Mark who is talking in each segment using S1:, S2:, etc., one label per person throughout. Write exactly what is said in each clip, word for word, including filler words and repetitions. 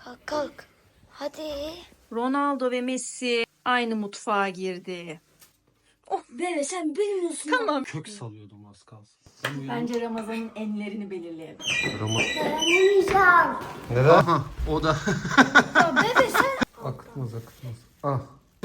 S1: Kalk kalk. Hadi.
S2: Ronaldo ve Messi aynı mutfağa girdi.
S1: Bebe sen bilmiyorsun.
S2: Tamam.
S3: Kök salıyordum az kalsın. Ben uyandım.
S2: Bence Ramazan'ın enlerini belirleyelim.
S1: Dayanamayacağım.
S3: Neden? Aha o da.
S1: Ya bebe sen.
S3: Akıtmaz akıtmaz. Ah.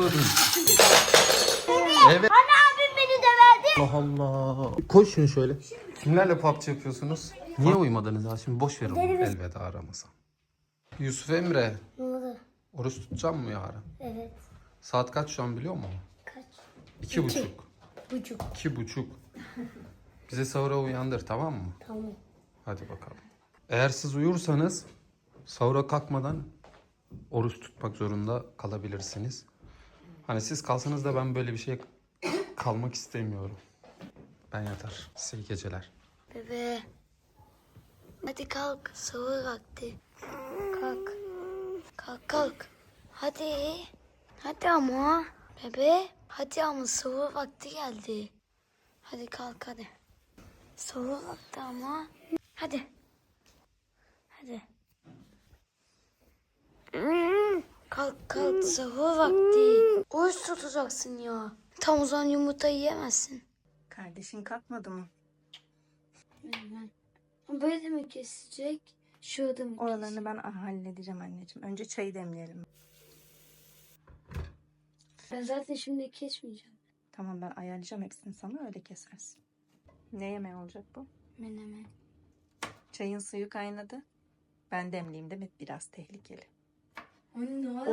S3: Evet.
S1: Hani abim beni döverdi.
S3: Allah Allah. Koy şunu şöyle. Kimlerle P U B G yapıyorsunuz? Niye uyumadınız ha? Şimdi boş ver onu. Elveda Ramazan. Yusuf Emre.
S1: Ne oldu?
S3: Oruç tutacağım mı yarın?
S1: Evet.
S3: Saat kaç şu an biliyor musun?
S1: Kaç?
S3: İki buçuk.
S1: Buçuk.
S3: İki buçuk. Bize sahura uyandır tamam mı?
S1: Tamam.
S3: Hadi bakalım. Eğer siz uyursanız sahura kalkmadan oruç tutmak zorunda kalabilirsiniz. Hani siz kalsanız da ben böyle bir şey kalmak istemiyorum. Ben yatar. Size iyi geceler.
S1: Bebe. Hadi kalk. Sahur vakti. Kalk. Kalk kalk. Hadi. Hadi ama. Bebe. Hadi ama sahur vakti geldi. Hadi kalk hadi. Sahur vakti ama. Hadi. Hadi. Kalk kalk sahur vakti. Oruç tutacaksın ya. Tam o zaman yumurta yiyemezsin.
S2: Kardeşin kalkmadı mı?
S1: Böyle mi kesecek? Şurada mı?
S2: Oralarını ben halledeceğim anneciğim. Önce çayı demleyelim.
S1: Ben zaten şimdi kesmeyeceğim.
S2: Tamam ben ayarlayacağım hepsini sana öyle kesersin. Ne yemeği olacak bu?
S1: Menemen.
S2: Çayın suyu kaynadı. Ben demleyeyim değil mi? Biraz tehlikeli.
S1: Anne ne var?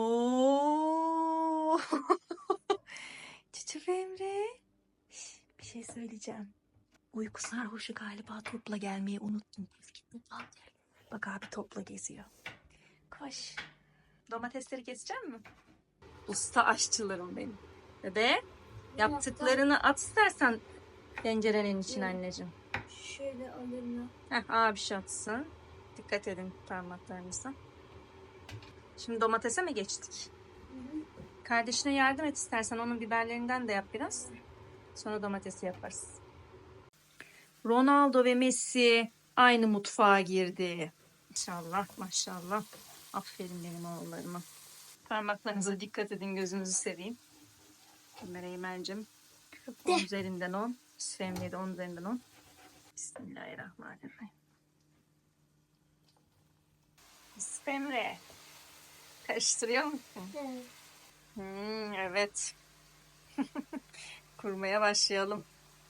S2: Oo. Çiçek Emre. Şş, bir şey söyleyeceğim. Uyku sarhoşu galiba topla gelmeyi unuttum. Bak abi topla geziyor. Koş. Domatesleri kesecek mi? Usta aşçılarım benim. Bebe yaptıklarını at istersen tencerenin içine anneciğim.
S1: Şöyle alayım
S2: Heh, abi şey atsın. Dikkat edin parmaklarınıza. Şimdi domatese mi geçtik? Kardeşine yardım et istersen onun biberlerinden de yap biraz. Sonra domatesi yaparız. Ronaldo ve Messi aynı mutfağa girdi. İnşallah maşallah. Aferin benim oğullarıma. Parmaklarınıza dikkat edin gözünüzü seveyim. Ömer Eymen'cim. on üzerinden on. Süfemli'ye de on üzerinden on. Bismillahirrahmanirrahim. Yusuf Emre. Karıştırıyor musun?
S1: Evet.
S2: Hmm, evet. Kurmaya başlayalım.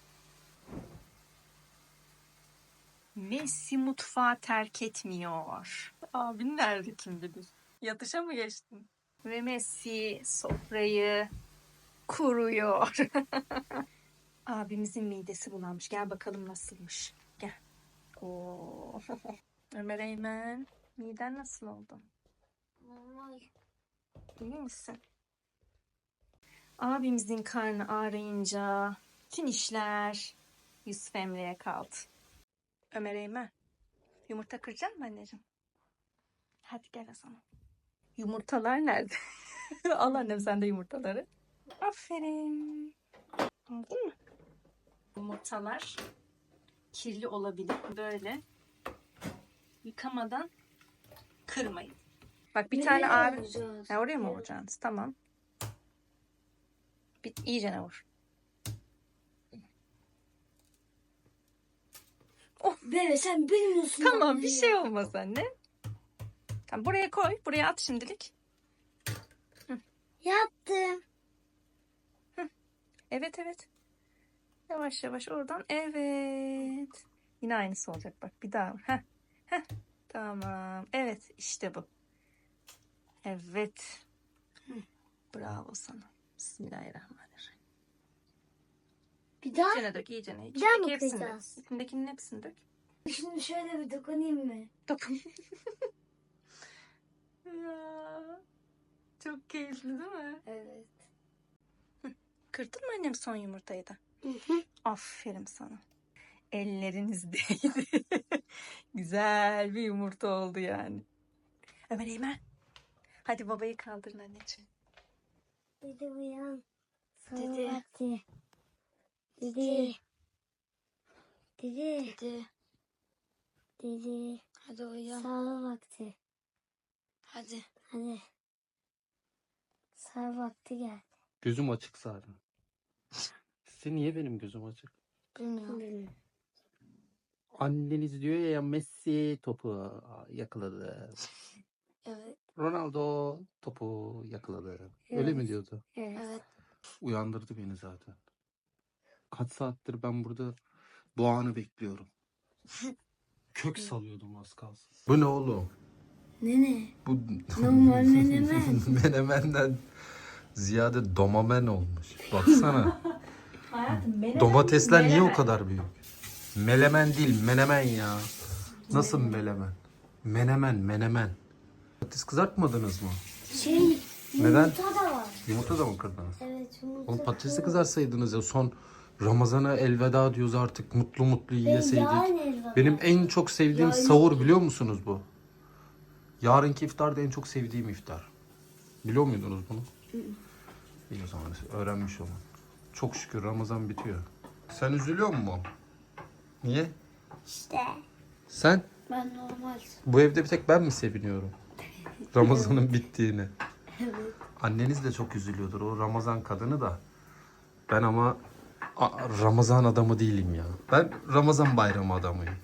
S2: Messi mutfağı terk etmiyor. Abin nerede kim bilir? Yatışa mı geçtin? Ve Messi sofrayı kuruyor. Abimizin midesi bulanmış. Gel bakalım nasılmış. Gel. Oo. Ömer Eymen, miden nasıl oldu?
S1: Normal.
S2: İyi misin? Abimizin karnı ağrıyınca bütün işler Yusuf Emre'ye kaldı. Ömer Eymen, yumurta kıracak mı anneciğim? Hadi gel o zaman. Yumurtalar nerede? Al annem sen de yumurtaları. Aferin. Aldın mı? Yumurtalar kirli olabilir. Böyle yıkamadan kırmayın. Bak bir tane abi... Ha, oraya mı vuracaksınız? Tamam. Bir, iyicene vur.
S1: Bebe sen bilmiyorsun.
S2: Tamam bir şey olmaz anne. Tamam buraya koy. Buraya at şimdilik.
S1: Yaptım.
S2: Evet evet. Yavaş yavaş oradan. Evet. Yine aynısı olacak bak. Bir daha vur. Heh. Heh. Tamam. Evet işte bu. Evet. Bravo sana. Bismillahirrahmanirrahim.
S1: Bir daha.
S2: İyicene dök iyicene.
S1: Bir daha mı
S2: İçindeki hepsini dök.
S1: kıracağız?
S2: İçindekinin hepsini dök.
S1: Şimdi şöyle bir dokunayım mı?
S2: Dokun. Ya, çok keyifli değil mi?
S1: Evet.
S2: Kırdın mı annem son yumurtayı da?
S1: Hı hı.
S2: Aferin sana. Elleriniz değdi. Güzel bir yumurta oldu yani. Ömer Eymen. Hadi babayı kaldırın anneciğim.
S1: Dede uyan.
S2: Dede.
S1: Vakti. Dede. Dede. Dede. Dede. Hadi uyan. Sağlık vakti. Hadi. Hadi. Sahur vakti geldi.
S3: Gözüm açık zaten. Size niye benim gözüm açık?
S1: Bilmiyorum.
S3: Anneniz diyor ya Messi topu yakaladı.
S1: Evet.
S3: Ronaldo topu yakaladı. Öyle
S1: Evet.
S3: mi diyordu?
S1: Evet.
S3: Uyandırdı beni zaten. Kaç saattir ben burada bu anı bekliyorum. Kök salıyordum az kalsın. Bu ne oğlum?
S1: Ne ne?
S3: Bu
S1: Normal menemen.
S3: menemenden ziyade domamen olmuş. Baksana.
S2: Hayatım menemen.
S3: Domatesler niye
S2: menemen.
S3: o kadar büyük? Melemen değil, menemen ya. Nasıl melemen? Menemen, menemen. Patates kızartmadınız mı?
S1: Şey,
S3: Neden?
S1: yumurta da var.
S3: Yumurta da mı kırdınız?
S1: Evet, yumurta.
S3: Oğlum patatesi kızarsaydınız ya. Son Ramazan'a elveda diyoruz artık. Mutlu mutlu yiyeseydik. Benim en çok sevdiğim
S1: Ya
S3: sahur biliyor musunuz bu? Yarınki iftar da en çok sevdiğim iftar. Biliyor muydunuz bunu? İyi o zaman öğrenmiş olun. Çok şükür Ramazan bitiyor. Sen üzülüyor musun? Niye?
S1: İşte.
S3: Sen?
S1: Ben normal.
S3: Bu evde bir tek ben mi seviniyorum? Ramazan'ın bittiğine.
S1: Evet.
S3: Anneniz de çok üzülüyordur o Ramazan kadını da. Ben ama a- Ramazan adamı değilim ya. Ben Ramazan bayramı adamıyım.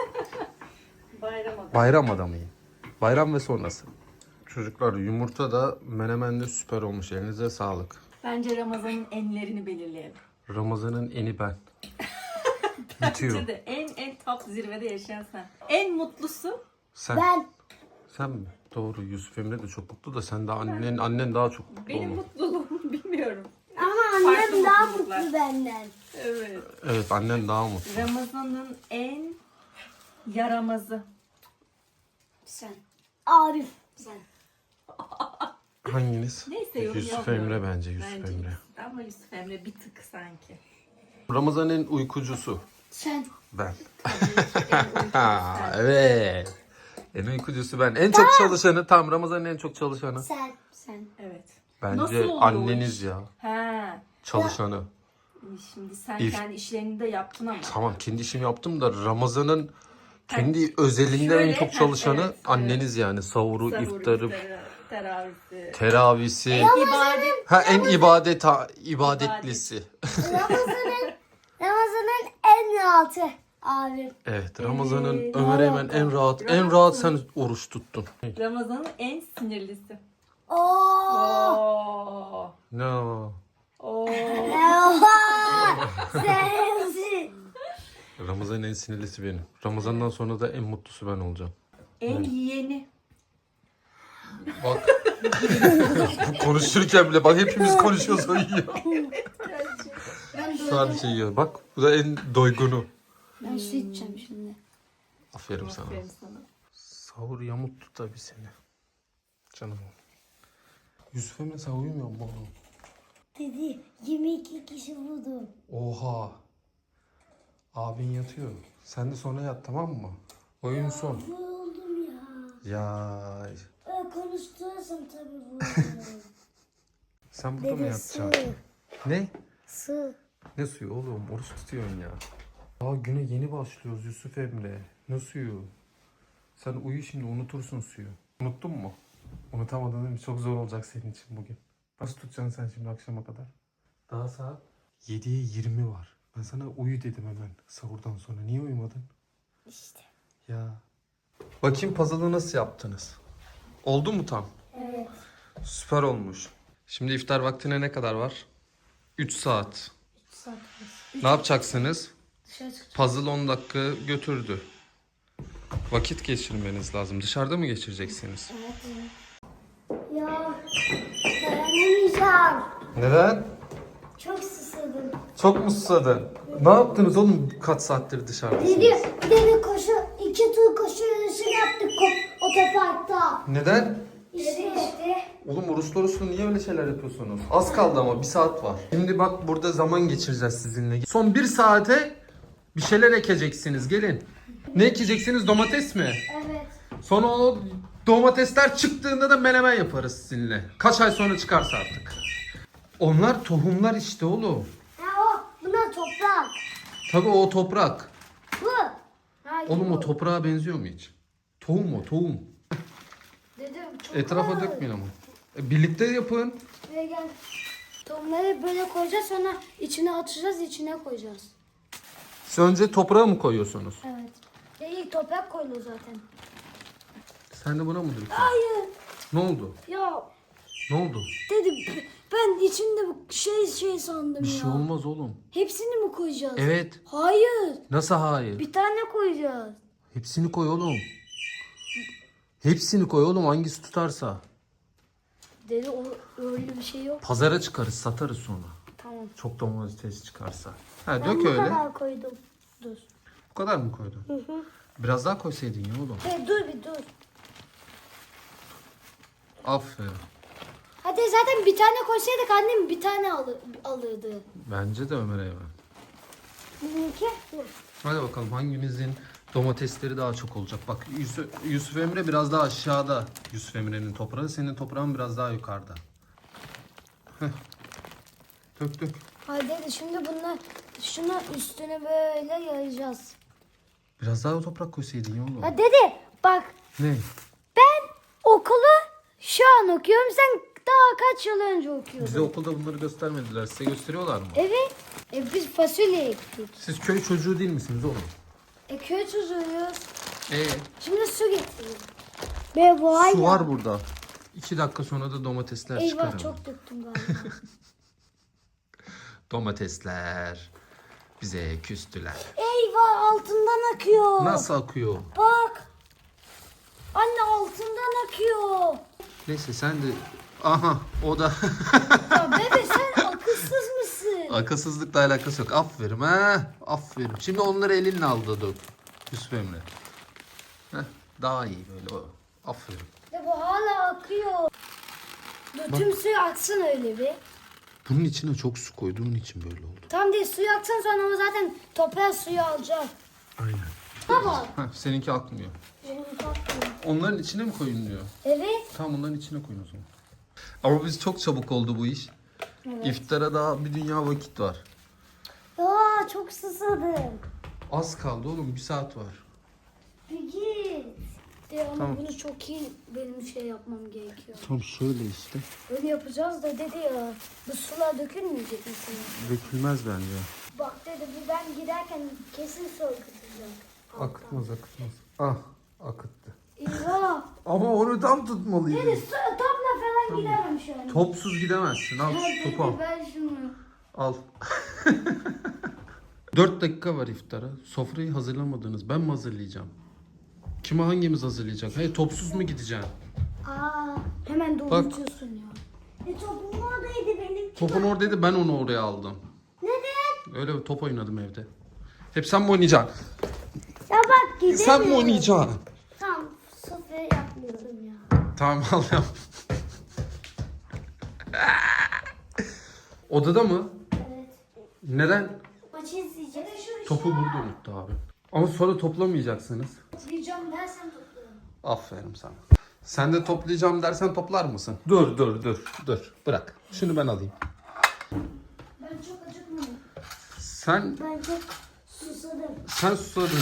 S2: Bayram adamı.
S3: Bayram adamıyım. Bayram ve sonrası. Çocuklar yumurta da menemen de süper olmuş. Elinize sağlık.
S2: Bence Ramazan'ın enlerini belirleyelim.
S3: Ramazan'ın eni ben. Bitiyor.
S2: Bence de en en top zirvede yaşayan sen. En mutlusu
S3: Sen,
S1: Ben.
S3: sen mi? Doğru. Yusuf Emre de çok mutlu da sen de annen annen daha çok mutlu
S2: benim
S3: oldu.
S2: mutluluğumu bilmiyorum.
S1: Ama
S2: Farklı
S1: annem daha
S2: mutluluklar.
S1: mutlu benden.
S2: Evet.
S3: Evet annen daha mutlu.
S2: Ramazan'ın en yaramazı.
S1: Sen. Arif. Sen.
S3: Hanginiz?
S2: Neyse, yorum
S3: Yusuf
S2: yapmıyorum.
S3: Emre bence Yusuf
S2: Bence
S3: Emre.
S2: ama Yusuf Emre bir tık sanki.
S3: Ramazan'ın uykucusu.
S1: Sen.
S3: Ben.
S2: En
S3: Ha,
S2: uykusu
S3: evet. En uykucusu ben. En çok çalışanı tam Ramazan'ın en çok çalışanı.
S1: Sen. Sen.
S2: Evet.
S3: Bence
S2: Nasıl oluyor o
S3: anneniz
S2: iş?
S3: ya.
S2: He.
S3: Çalışanı.
S2: Şimdi sen
S3: İf-
S2: kendi işlerini de yaptın ama.
S3: Tamam kendi işimi yaptım da Ramazan'ın kendi özelinde
S2: şöyle,
S3: en çok
S2: ha,
S3: çalışanı
S2: evet,
S3: anneniz yani. Savuru,
S2: Sahur,
S3: iftarı,
S2: iftarı, teravisi.
S3: teravisi.
S2: İbadet.
S3: Ha en ibadet ha, ibadetlisi.
S1: Ramazan'ın Ramazan'ın en rahatı Arif.
S3: Evet Ramazan'ın
S2: Evet,
S3: Ömer Eymen en rahat en rahat sen oruç tuttun.
S2: Ramazan'ın en sinirlisi.
S1: Oo.
S2: Oo.
S3: No.
S2: Oo.
S1: Oha! Sensin.
S3: Ramazan'ın en sinirlisi benim. Ramazan'dan sonra da en mutlusu ben olacağım.
S2: En yiyeni.
S3: Bak. Konuşurken bile bak hepimiz konuşuyoruz o yiyor.
S1: Ben
S3: Sadece yiyor. Bak bu da en doygunu.
S1: Ben su içeceğim şimdi.
S3: Aferin sana.
S2: Aferin sana.
S3: Sahur yamuttu tabii seni. Canım. Yusuf Emre sen uyumuyor mu oğlum?
S1: Dedi yirmi iki kişi vurdu.
S3: Oha. Abin yatıyor. Sen de sonra yat tamam mı? Oyun son.
S1: Vuruldum ya.
S3: Ya
S1: Öyle konuşturursam tabii vuruldum.
S3: sen burada mı
S1: Dedi su.
S3: yatacaksın? Ne?
S1: Su.
S3: Ne suyu oğlum? Oruç tutuyorsun ya. Daha güne yeni başlıyoruz Yusuf Emre. Ne suyu? Sen uyu şimdi unutursun suyu. Unuttun mu? Unutamadın değil mi? Çok zor olacak senin için bugün. Nasıl tutacaksın sen şimdi akşama kadar? Daha saat yediye yirmi var. Ben sana uyu dedim hemen sahurdan sonra. Niye uyumadın?
S1: İşte.
S3: Ya. Bakayım puzzle'ı nasıl yaptınız? Oldu mu tam?
S1: Evet.
S3: Süper olmuş. Şimdi iftar vaktine ne kadar var? üç saat.
S1: Saat
S3: Ne yapacaksınız?
S1: dışarı çıkacağım.
S3: Puzzle on dakika götürdü. Vakit geçirmeniz lazım. Dışarıda mı geçireceksiniz?
S1: Evet. Ya dayanamayacağım.
S3: Neden?
S1: Çok susadım.
S3: Çok mu susadın? Ne yaptınız oğlum kaç saattir dışarıdasınız?
S1: Dedi, dedi koşu, iki tur koşu yarışı yaptık ko- otoparkta.
S3: Neden?
S1: İşte işte.
S3: Oğlum oruçlu oruçlu niye öyle şeyler yapıyorsunuz? Az kaldı ama bir saat var. Şimdi bak burada zaman geçireceğiz sizinle. Son bir saate bir şeyler ekeceksiniz. Gelin. Ne ekeceksiniz? Domates mi?
S1: Evet.
S3: Sonra o domatesler çıktığında da menemen yaparız sizinle. Kaç ay sonra çıkarsa artık. Onlar tohumlar işte oğlum.
S1: Ha o, buna toprak.
S3: Tabii o toprak.
S1: Bu. Hayır,
S3: Oğlum
S1: bu.
S3: o toprağa benziyor mu hiç? Tohum o tohum.
S1: Dedim
S3: Etrafa dökmeyin ama. E, birlikte yapın.
S1: Buraya gel. Tohumları böyle koyacağız, sonra içine atacağız, içine koyacağız.
S3: Siz önce toprağa mı koyuyorsunuz?
S1: Evet. Ya ilk toprak koyulur zaten.
S3: Sen de buna mı döküyorsun?
S1: Hayır.
S3: Ne oldu?
S1: Ya
S3: Ne oldu?
S1: dedim ben içinde bu şey şey sandım
S3: Bir
S1: ya.
S3: şey olmaz oğlum.
S1: Hepsini mi koyacağız?
S3: Evet.
S1: Hayır.
S3: Nasıl hayır?
S1: Bir tane koyacağız.
S3: Hepsini koy oğlum. Hepsini koy oğlum, hangisi tutarsa.
S1: Dedi o öyle bir şey yok.
S3: Pazara çıkarız, satarız sonra.
S1: Tamam.
S3: Çok domates çıkarsa. Ha,
S1: Ben
S3: dök
S1: bu
S3: öyle.
S1: kadar koydum. Dur.
S3: Bu kadar mı koydun?
S1: Hı hı.
S3: Biraz daha koysaydın ya oğlum.
S1: Hey, dur bir dur.
S3: Aferin.
S1: Hadi zaten bir tane koysaydık annem bir tane alır, alırdı.
S3: Bence de Ömer'e ver.
S1: Bizimki bu.
S3: Hadi bakalım hanginizin domatesleri daha çok olacak. Bak Yusuf, Yusuf Emre biraz daha aşağıda. Yusuf Emre'nin toprağı. Senin toprağın biraz daha yukarıda. Heh. Dök dök.
S1: Hadi hadi şimdi bunlar şunu üstüne böyle yayacağız.
S3: Biraz daha toprak koysaydın ya oğlum.
S1: Ha dede bak
S3: Ne?
S1: ben okulu şu an okuyorum, sen daha kaç yıl önce okuyordun.
S3: Bize okulda bunları göstermediler. Size gösteriyorlar mı?
S1: Evet. E biz fasulye ektik.
S3: Siz köy çocuğu değil misiniz oğlum?
S1: E köy çocuğuyuz.
S3: Ee,
S1: Şimdi su getireyim. Be bu
S3: su var burada. İki dakika sonra da domatesler
S1: Eyvah
S3: çıkarım.
S1: çok döktüm galiba.
S3: Domatesler bize küstüler.
S1: Eyvah altından akıyor.
S3: Nasıl akıyor?
S1: Bak. Anne altından akıyor.
S3: Neyse sen de... Aha o da...
S1: Ya bebe sen akılsız mısın?
S3: Akılsızlıkla alakası yok. Aferin ha. Aferin. Şimdi onları elinle al da dök. Yusuf Emre. Heh, daha iyi böyle o. Aferin.
S1: Ya bu hala akıyor. Dur, tüm suyu aksın öyle bir.
S3: Bunun içine çok su koyduğun için böyle oldu.
S1: Tam değil, suyu aksın sonra o zaten toprağa suyu alacak.
S3: Aynen.
S1: Baba.
S3: Heh, seninki akmıyor.
S1: Benim akmıyor.
S3: Onların içine mi koyun diyor?
S1: Evet.
S3: Tamam, onların içine koyun o zaman. Ama biz çok çabuk oldu bu iş.
S1: Evet.
S3: İftara daha bir dünya vakit var.
S1: Aa çok susadım.
S3: Az kaldı oğlum, bir saat var.
S1: Bir git. De ama
S3: Tamam.
S1: bunu çok iyi benim şey yapmam gerekiyor.
S3: Tam şöyle işte.
S1: Öyle yapacağız da dedi ya. Bu sular dökülmeyecek mi sana?
S3: Dökülmez bence.
S1: Bak dedi bu ben giderken kesin su akıtacak.
S3: Akıtmaz akıtmaz. Ah akıttı.
S1: İyi.
S3: Ama onu tam tutmalıydı.
S1: Dedi su, topla falan gidemem şu an.
S3: Topsuz gidemezsin. Al
S1: Ya
S3: şu topu al.
S1: dedi ver şunu.
S3: Al. Dört dakika var iftara. Sofrayı hazırlamadınız. Ben mi hazırlayacağım? Kime hangimiz hazırlayacak? Hey, topsuz mu gideceksin?
S1: Aa hemen doğrultuyorsun ya. E topum oradaydı benim.
S3: Topun oradaydı, ben onu oraya aldım.
S1: Neden?
S3: Öyle bir top oynadım evde. Hep sen mi oynayacaksın?
S1: Ya bak gidemiyorum.
S3: Sen mi oynayacaksın?
S1: Tamam sofra yapmıyorum ya.
S3: Tamam al yap. Odada mı?
S1: Evet.
S3: Neden?
S1: Maçı izleyeceğiz.
S3: Topu burada unuttu abi. Ama sonra toplamayacaksınız.
S1: Toplayacağım dersen toplarım.
S3: Aferin sana. Sen de toplayacağım dersen toplar mısın? Dur dur dur dur. Bırak. Şunu ben alayım.
S1: Ben çok acıkmıyorum.
S3: Sen
S1: Ben çok susadım.
S3: sen susadın.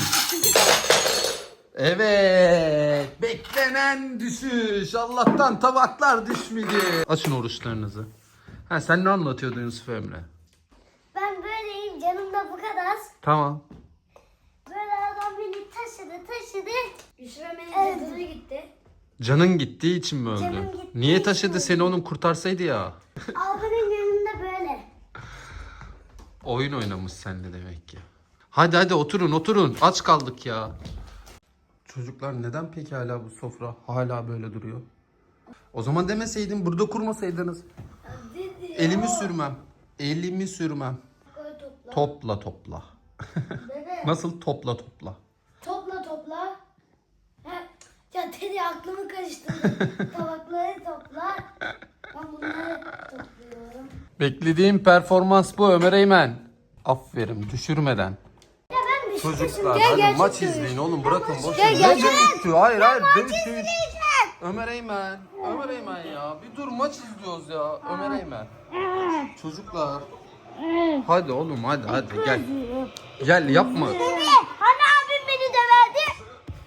S3: Evet. Beklenen düşüş. Allah'tan tabaklar düşmedi. Açın oruçlarınızı. Ha, sen ne anlatıyordun Yusuf Emre?
S1: Ben böyleyim, canım da bu kadar.
S3: Tamam.
S1: Böyle adam beni taşıdı taşıdı. Yusuf Emre'nin canına gitti.
S3: Canın gittiği için mi öldü?
S1: Canım gittiği
S3: Niye taşıdı
S1: için.
S3: seni, onun kurtarsaydı ya?
S1: Abinin yanında böyle.
S3: Oyun oynamış seninle demek ki. Hadi hadi oturun oturun. Aç kaldık ya. Çocuklar neden peki hala bu sofra hala böyle duruyor? O zaman demeseydin, burada kurmasaydınız.
S1: Dedi.
S3: Elimi sürmem. Elimi sürmem.
S1: Böyle topla.
S3: Topla topla.
S1: Bebe.
S3: Nasıl topla topla?
S1: Topla topla. Ha, ya dedi aklımı karıştırdı. Tabakları topla. Ben bunları topluyorum.
S3: Beklediğim performans bu Ömer Eymen. Aferin, düşürmeden.
S1: Ya ben Beşiktaş'ım.
S3: Çocuklar
S1: Gel
S3: hadi
S1: gerçek
S3: maç
S1: dövüş.
S3: izleyin oğlum, bırakın boş
S1: Gel,
S3: verin.
S1: gel,
S3: Ne
S1: gel.
S3: dövüştü? Hayır hayır dövüş. Ömer Eymen. Ömer Eymen ya. Bir dur, maç izliyoruz ya. Ömer Eymen. Çocuklar. Hadi oğlum hadi hadi gel. Gel yapma.
S1: Hani abim beni döverdi?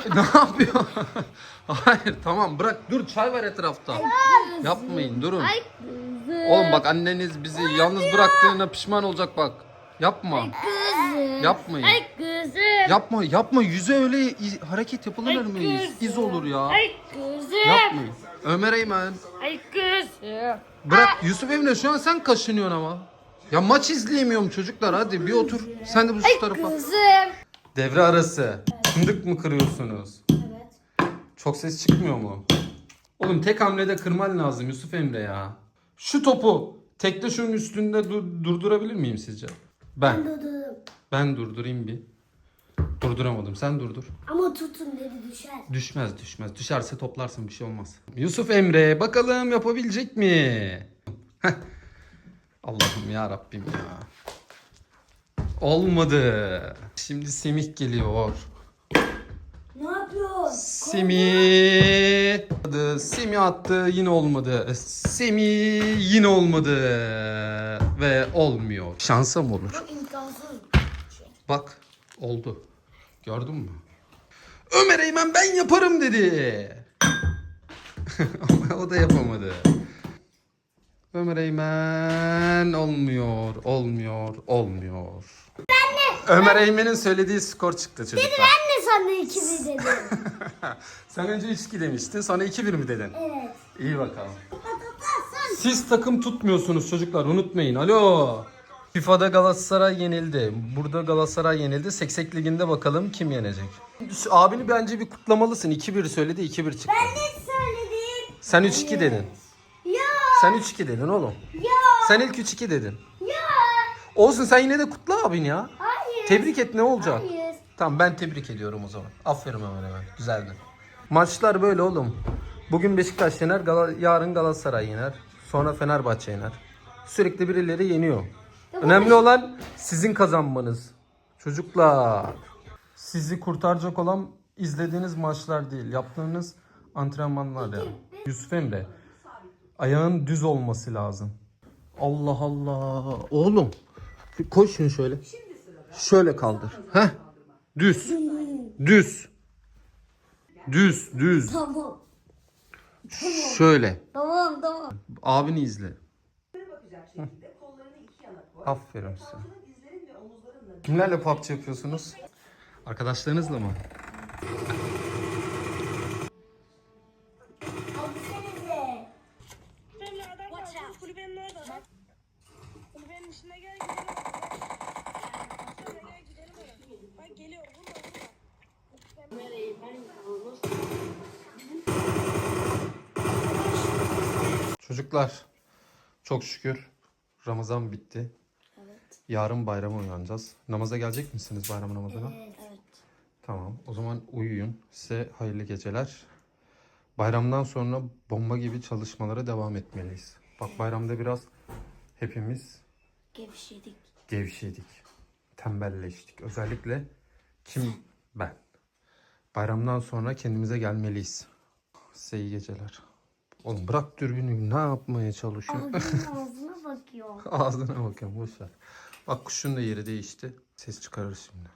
S3: Ne yapıyor? Hayır tamam bırak dur çay var etrafta. Yapmayın durun.
S1: Ay kızım.
S3: Oğlum bak anneniz bizi yalnız bıraktığına pişman olacak bak. Yapma.
S1: Kızım.
S3: Yapmayın.
S1: Ay kızım.
S3: Yapma yapma yüze öyle iz- hareket yapılır mı? İz, iz olur ya.
S1: Ay kızım.
S3: Yapmayın. Ömer Eymen.
S1: Ay kızım.
S3: Bırak Yusuf Emre şu an sen kaşınıyorsun ama. Ya maç izleyemiyorum çocuklar hadi bir otur. Sen de bu şu tarafa.
S1: Kızım.
S3: Devre arası. Fındık mı kırıyorsunuz?
S1: Evet.
S3: Çok ses çıkmıyor mu? Oğlum tek hamlede kırman lazım Yusuf Emre ya. Şu topu tekte şunun üstünde dur- durdurabilir miyim sizce? Ben.
S4: Durdurdum.
S3: Ben durdurayım bir. Durduramadım. Sen durdur.
S4: Ama tutun dedi düşer.
S3: Düşmez düşmez. Düşerse toplarsın bir şey olmaz. Yusuf Emre bakalım yapabilecek mi? Heh. Allah'ım ya Rabbim ya. Olmadı. Şimdi Semih geliyor.
S4: Ne yapıyor?
S3: Semih. Attı, Semih attı yine olmadı. Semih yine olmadı. Ve olmuyor. Şansa mı olur?
S4: İmkansız.
S3: Bak oldu. Gördün mü? Ömer Eymen ben yaparım dedi. Ama o da yapamadı. Ömer Eymen olmuyor, olmuyor, olmuyor. Ömer Eymen'in söylediği skor çıktı çocuklar.
S4: Ben de sana iki bir dedim.
S3: Sen önce üç iki demiştin sonra iki bir mi dedin?
S4: Evet.
S3: İyi bakalım. Siz takım tutmuyorsunuz çocuklar unutmayın. Alo. FIFA'da Galatasaray yenildi. Burada Galatasaray yenildi. Seksek Ligi'nde bakalım kim yenecek? Abini bence bir kutlamalısın. iki bir söyledi iki bir çıktı.
S4: Ben de söyledim.
S3: Sen üç iki dedin.
S4: Ya.
S3: Sen üç iki dedin oğlum.
S4: Ya.
S3: Sen ilk üç iki dedin.
S4: Ya.
S3: Olsun sen yine de kutla abin ya.
S4: Hayır.
S3: Tebrik et ne olacak?
S4: Hayır.
S3: Tamam ben tebrik ediyorum o zaman. Aferin hemen hemen. Güzeldi. Maçlar böyle oğlum. Bugün Beşiktaş yener, Gal- yarın Galatasaray yener. Sonra Fenerbahçe yener. Sürekli birileri yeniyor. Önemli olan sizin kazanmanız. Çocuklar. Sizi kurtaracak olan izlediğiniz maçlar değil. Yaptığınız antrenmanlar yani. Yusuf Emre. Ayağın düz olması lazım. Allah Allah. Oğlum. Koy şunu şöyle. Şöyle kaldır. Heh. Düz. Düz. Düz, düz.
S4: Tamam.
S3: Şöyle.
S4: Tamam tamam.
S3: Abini izle. Hı. Aferin size. Kimlerle P U B G yapıyorsunuz? Arkadaşlarınızla mı?
S4: Abienize.
S5: Benimle adam kaldı. Kulübenin orada bak. Kulübenin içine gel gidelim. Sonra gel gidelim oraya. Bak geliyor burada burada.
S3: Çocuklar çok şükür Ramazan bitti.
S1: Evet.
S3: Yarın bayrama uyanacağız. Namaza gelecek misiniz bayram namazına?
S1: Evet.
S3: Tamam. O zaman uyuyun. Size hayırlı geceler. Bayramdan sonra bomba gibi çalışmalara devam etmeliyiz. Bak bayramda biraz hepimiz
S1: Gevşedik.
S3: gevşedik. Tembelleştik. Özellikle kim? Ben. Bayramdan sonra kendimize gelmeliyiz. Size iyi geceler. Oğlum bırak dürbünü. Ne yapmaya çalışıyorsun?
S4: Abinin ağzına bakıyor.
S3: Ağzına bakıyorum. Boş ver. Bak kuşun da yeri değişti. Ses çıkarır şimdi.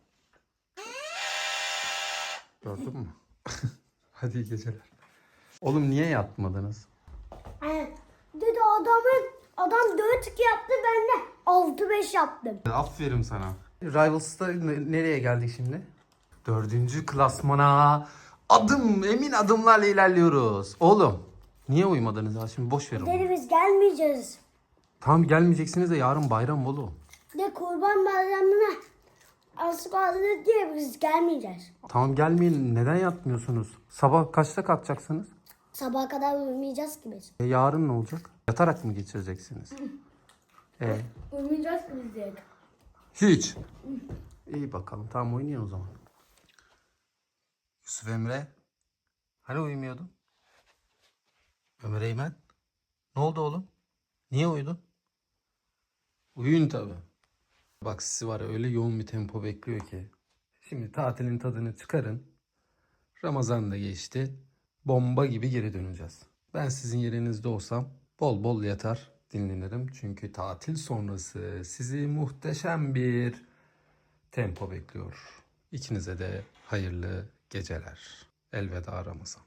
S3: Gördün mü? Hadi iyi geceler. Oğlum niye yatmadınız?
S4: Evet. Dedi adamın adam dört iki yaptı ben de altı beş yaptım.
S3: Aferin sana. Rivals'ta ne- nereye geldik şimdi? Dördüncü klasmana adım emin adımlarla ilerliyoruz. Oğlum niye uyumadınız ya? Şimdi boş verin.
S4: Dedi biz gelmeyeceğiz.
S3: Tamam gelmeyeceksiniz de yarın bayram oğlum.
S4: De kurban bayramına az kaldı diye biz gelmeyeceğiz.
S3: Tamam gelmeyin. Neden yatmıyorsunuz? Sabah kaçta kalkacaksınız?
S4: Sabaha kadar uyumayacağız ki biz.
S3: E, yarın ne olacak? Yatarak mı geçireceksiniz? E,
S4: Uyumayacağız ki biz diye.
S3: hiç. İyi bakalım. Tamam oynayın o zaman. Yusuf Emre. Hani uyumuyordun? Ömer Eymen. Ne oldu oğlum? Niye uyudun? Uyuyun tabi. Bak sizi var ya öyle yoğun bir tempo bekliyor ki. Şimdi tatilin tadını çıkarın. Ramazan da geçti. Bomba gibi geri döneceğiz. Ben sizin yerinizde olsam bol bol yatar dinlenirim. Çünkü tatil sonrası sizi muhteşem bir tempo bekliyor. İkinize de hayırlı geceler. Elveda Ramazan.